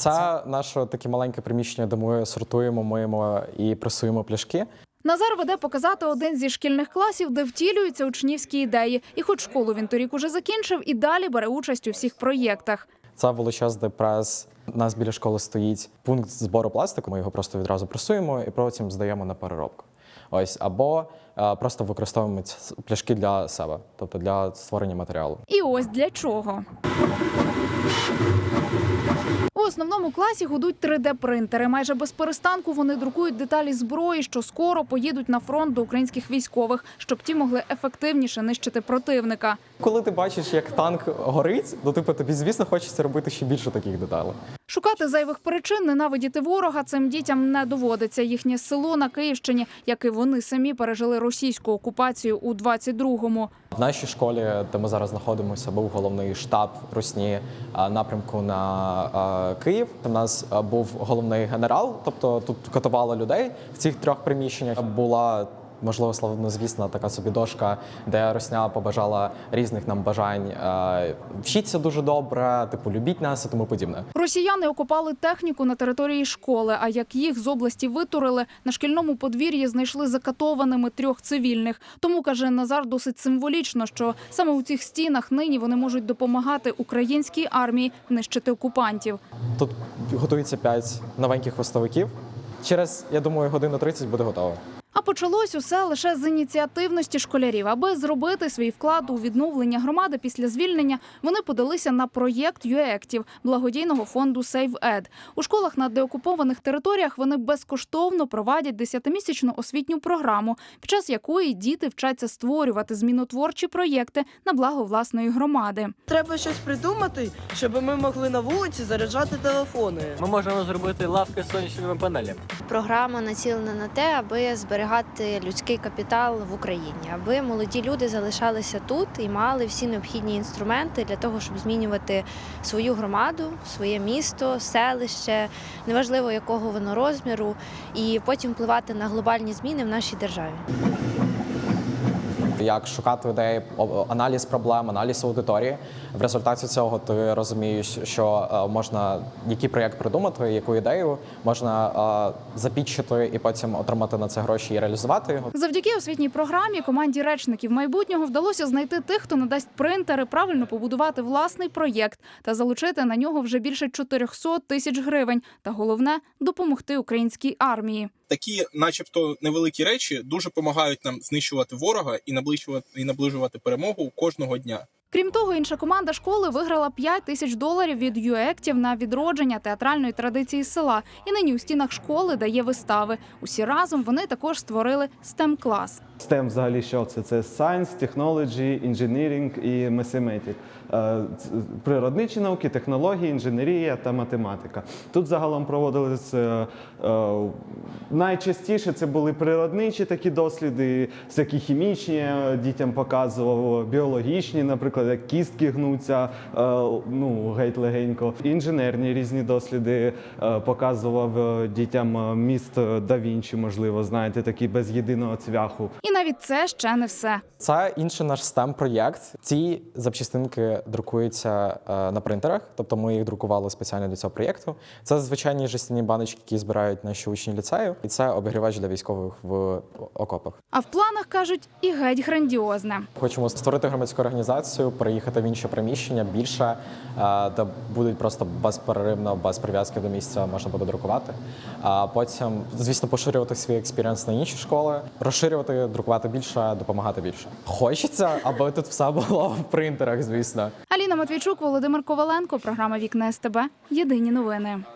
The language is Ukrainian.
Це наше таке маленьке приміщення, де ми сортуємо, миємо і пресуємо пляшки. Назар веде показати один зі шкільних класів, де втілюються учнівські ідеї. І хоч школу він торік уже закінчив, і далі бере участь у всіх проєктах. Це величезний прес. У нас біля школи стоїть пункт збору пластику. Ми його просто відразу пресуємо і потім здаємо на переробку. Ось, або просто використовуємо ці пляшки для себе, тобто для створення матеріалу. І ось для чого. У основному класі гудуть 3D-принтери. Майже без перестанку вони друкують деталі зброї, що скоро поїдуть на фронт до українських військових, щоб ті могли ефективніше нищити противника. Коли ти бачиш, як танк горить, то тобі, звісно, хочеться робити ще більше таких деталей. Шукати зайвих причин ненавидіти ворога цим дітям не доводиться. Їхнє село на Київщині, як і вони самі, пережили російську окупацію у 22-му. В нашій школі, де ми зараз знаходимося, був головний штаб Русні напрямку на Київ. У нас був головний генерал, тобто тут катували людей в цих 3 приміщеннях. Була, можливо, славнозвісна така собі дошка, де Русня побажала різних нам бажань. Вчіться дуже добре, типу, любіть нас і тому подібне. Росіяни окупали техніку на території школи, а як їх з області витурили, на шкільному подвір'ї знайшли закатованими 3 цивільних. Тому, каже Назар, досить символічно, що саме у цих стінах нині вони можуть допомагати українській армії нищити окупантів. Тут готується 5 новеньких хвостовиків. Через, я думаю, годину 30 буде готово. А почалось усе лише з ініціативності школярів. Аби зробити свій вклад у відновлення громади після звільнення, вони подалися на проєкт UEACTIVE благодійного фонду SaveEd. У школах на деокупованих територіях вони безкоштовно проводять 10-місячну освітню програму, під час якої діти вчаться створювати змінотворчі проєкти на благо власної громади. Треба щось придумати, щоб ми могли на вулиці заряджати телефони. Ми можемо зробити лавки з сонячними панелями. Програма націлена на те, аби зберігати людський капітал в Україні, аби молоді люди залишалися тут і мали всі необхідні інструменти для того, щоб змінювати свою громаду, своє місто, селище, неважливо якого воно розміру, і потім впливати на глобальні зміни в нашій державі. Як шукати ідеї, аналіз проблем, аналіз аудиторії. В результаті цього ти розумієш, що можна який проєкт придумати, яку ідею можна запітчити і потім отримати на це гроші і реалізувати його. Завдяки освітній програмі команді речників майбутнього вдалося знайти тих, хто надасть принтери, правильно побудувати власний проєкт та залучити на нього вже більше 400 тисяч гривень. Та головне – допомогти українській армії. Такі, начебто, невеликі речі дуже допомагають нам знищувати ворога і наближувати перемогу кожного дня. Крім того, інша команда школи виграла $5000 від UEACTIVE на відродження театральної традиції села. І нині у стінах школи дає вистави. Усі разом вони також створили STEM-клас. STEM взагалі що це? Це Science, Technology, Engineering і Mathematics. Природничі науки, технології, інженерія та математика. Тут загалом проводились найчастіше це були природничі такі досліди, всякі хімічні, дітям показував, біологічні, наприклад, як кістки гнуться, геть легенько. Інженерні різні досліди показував дітям міст Да Вінчі, можливо, знаєте, такі без єдиного цвяху. І навіть це ще не все. Це інший наш STEM-проєкт. Ці запчастинки друкуються на принтерах, тобто ми їх друкували спеціально для цього проєкту. Це звичайні жестяні баночки, які збирають наші учні ліцею, і це обігрівач для військових в окопах. А в планах, кажуть, і геть грандіозне. Хочемо створити громадську організацію, переїхати в інше приміщення, більше, де будуть просто безперервно, без прив'язки до місця можна буде друкувати. А потім, звісно, поширювати свій експірієнс на інші школи, розширювати, друкувати більше, допомагати більше. Хочеться, аби тут все було в принтерах, звісно. Аліна Матвійчук, Володимир Коваленко, програма «Вікна СТБ». Єдині новини.